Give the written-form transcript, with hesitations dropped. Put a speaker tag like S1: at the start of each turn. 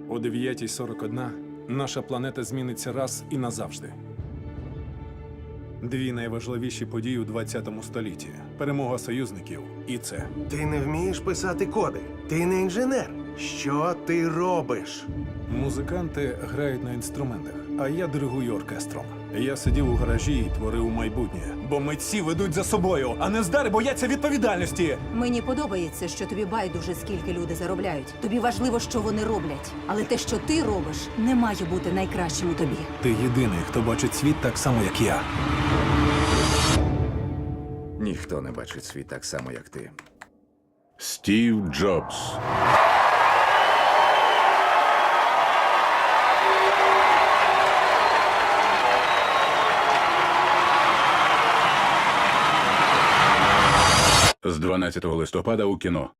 S1: О 9:41 наша планета зміниться раз і назавжди. Дві найважливіші події у 20 столітті. Перемога союзників і це.
S2: Ти не вмієш писати коди. Ти не інженер. Що ти робиш?
S1: Музиканти грають на інструментах, а я диригую оркестром. Я сидів у гаражі і творив майбутнє. Бо митці ведуть за собою, а нездари бояться відповідальності.
S3: Мені подобається, що тобі байдуже, скільки люди заробляють. Тобі важливо, що вони роблять. Але те, що ти робиш, не має бути найкращим у тобі.
S1: Ти єдиний, хто бачить світ так само, як я.
S4: Ніхто не бачить світ так само, як ти.
S5: Стів Джобс. З 12 листопада у кіно.